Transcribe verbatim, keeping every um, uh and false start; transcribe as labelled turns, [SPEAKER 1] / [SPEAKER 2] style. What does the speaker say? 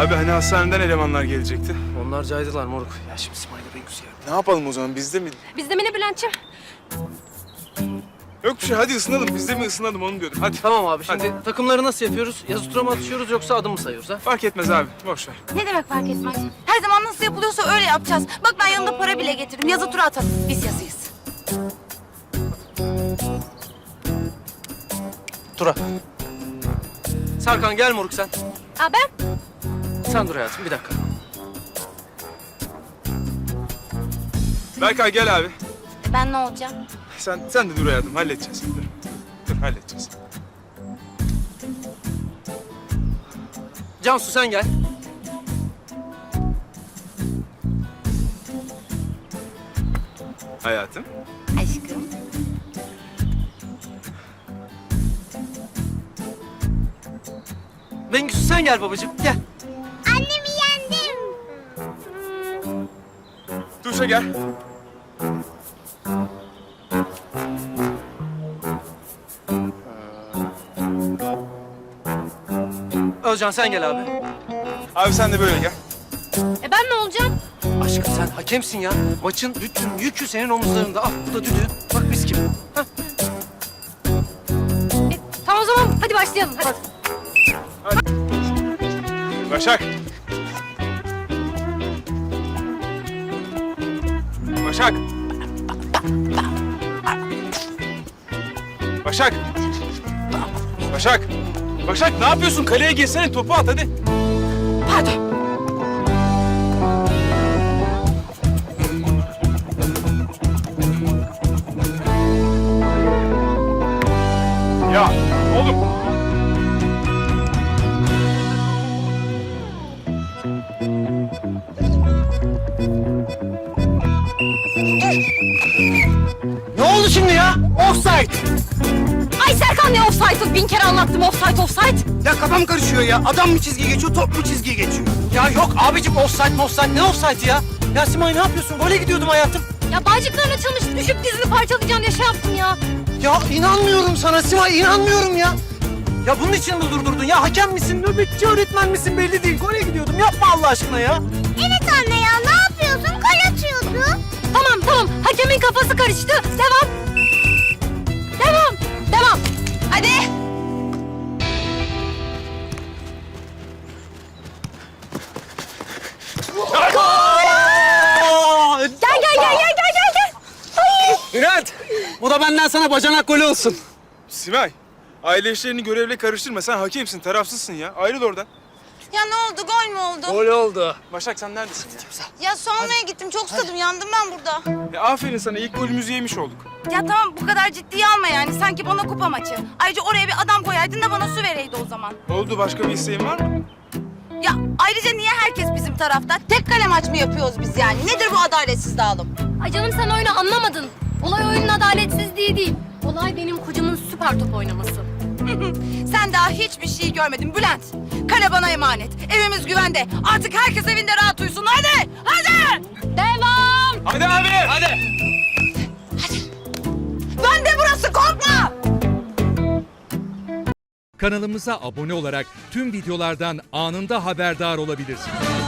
[SPEAKER 1] Abi hani hastaneden elemanlar gelecekti.
[SPEAKER 2] Onlar caydılar moruk. Ya şimdi Simay'la Bengüs ya.
[SPEAKER 1] Ne yapalım o zaman? Bizde mi?
[SPEAKER 3] Bizde mi ne Bülent'ciğim?
[SPEAKER 1] Yok bir şey. Hadi ısınalım. Bizde mi ısınalım onu diyordum. Hadi.
[SPEAKER 2] Tamam abi şimdi takımları nasıl yapıyoruz? Yazı tura mı atışıyoruz yoksa adım mı sayıyoruz ha?
[SPEAKER 1] Fark etmez abi. Boş ver.
[SPEAKER 4] Ne demek fark etmez? Her zaman nasıl yapılıyorsa öyle yapacağız. Bak ben yanımda para bile getirdim. Yazı tura atalım. Biz yazıyız.
[SPEAKER 2] Tura. Serkan gel moruk sen.
[SPEAKER 3] Aa ben?
[SPEAKER 2] Sen dur hayatım bir dakika.
[SPEAKER 1] Berkay gel abi.
[SPEAKER 4] E ben ne olacağım?
[SPEAKER 1] Sen sen de dur hayatım. Halledeceğiz. Dur. Dur halledeceğiz.
[SPEAKER 2] Cansu sen gel.
[SPEAKER 1] Hayatım.
[SPEAKER 4] Aşkım.
[SPEAKER 2] Bengüs sen gel babacığım gel.
[SPEAKER 4] Annemi yendim.
[SPEAKER 1] Duşa gel.
[SPEAKER 2] Özcan sen gel abi.
[SPEAKER 1] Abi sen de böyle gel.
[SPEAKER 3] E ben ne olacağım?
[SPEAKER 2] Aşkım sen hakemsin ya. Maçın bütün yükü senin omuzlarında. Ah bu da düdüğün. Bak biz kim? Hah.
[SPEAKER 3] E, tamam o zaman hadi başlayalım. Hadi.
[SPEAKER 1] Başak. Başak. Başak. Başak. Başak ne yapıyorsun? Kaleye girsene topu at hadi.
[SPEAKER 4] Pardon.
[SPEAKER 1] Ya oğlum.
[SPEAKER 2] Ne oldu şimdi ya? Offside.
[SPEAKER 3] Ay Serkan ne offside'ı? Bin kere anlattım offside offside.
[SPEAKER 5] Ya kafam karışıyor ya. Adam mı çizgi geçiyor, top mu çizgiyi geçiyor?
[SPEAKER 2] Ya yok abicim offside offside ne offside ya? Ya Simay ne yapıyorsun? Gole gidiyordum hayatım.
[SPEAKER 3] Ya bağcıkların açılmış düşüp dizini parçalayacağım diye şey yaptım ya.
[SPEAKER 2] Ya inanmıyorum sana Simay inanmıyorum ya. Ya bunun için mi durdurdun ya? Hakem misin, nöbetçi öğretmen misin belli değil. Gole gidiyordum. Yapma Allah aşkına ya.
[SPEAKER 4] Evet anne ya ne yapıyorsun? Kal atıyordu.
[SPEAKER 3] Tamam tamam hakemin kafası karıştı. Devam. Devam. Devam.
[SPEAKER 4] Hadi.
[SPEAKER 3] Gel gel gel gel gel gel gel.
[SPEAKER 5] Bülent, bu da benden sana bacanak golü olsun.
[SPEAKER 1] Simay. Aile işlerini görevle karıştırma. Sen hakemsin, tarafsızsın ya. Ayrıl oradan.
[SPEAKER 4] Ya ne oldu? Gol mü oldu?
[SPEAKER 5] Gol oldu.
[SPEAKER 1] Başak sen neredesin ya?
[SPEAKER 4] Ya su almaya gittim. Çok susadım. Yandım ben burada.
[SPEAKER 1] Ya aferin sana. İlk golümüzü yemiş olduk.
[SPEAKER 4] Ya tamam bu kadar ciddiye alma yani. Sanki bana kupa maçı. Ayrıca oraya bir adam koyaydın da bana su vereydi o zaman.
[SPEAKER 1] Oldu. Başka bir isteğin var mı?
[SPEAKER 4] Ya ayrıca niye herkes bizim tarafta? Tek kale maç mı yapıyoruz biz yani? Nedir bu adaletsiz dağılım?
[SPEAKER 3] Ay canım sen oyunu anlamadın. Olay oyunun adaletsizliği değil. Olay benim kocamın süper top oynaması.
[SPEAKER 4] Sen daha hiçbir şey görmedin Bülent. Kale bana emanet. Evimiz güvende. Artık herkes evinde rahat uyusun. Hadi! Hadi!
[SPEAKER 3] Devam.
[SPEAKER 1] Hadi abi. Hadi.
[SPEAKER 4] Bende burası korkma!
[SPEAKER 6] Kanalımıza abone olarak tüm videolardan anında haberdar olabilirsiniz.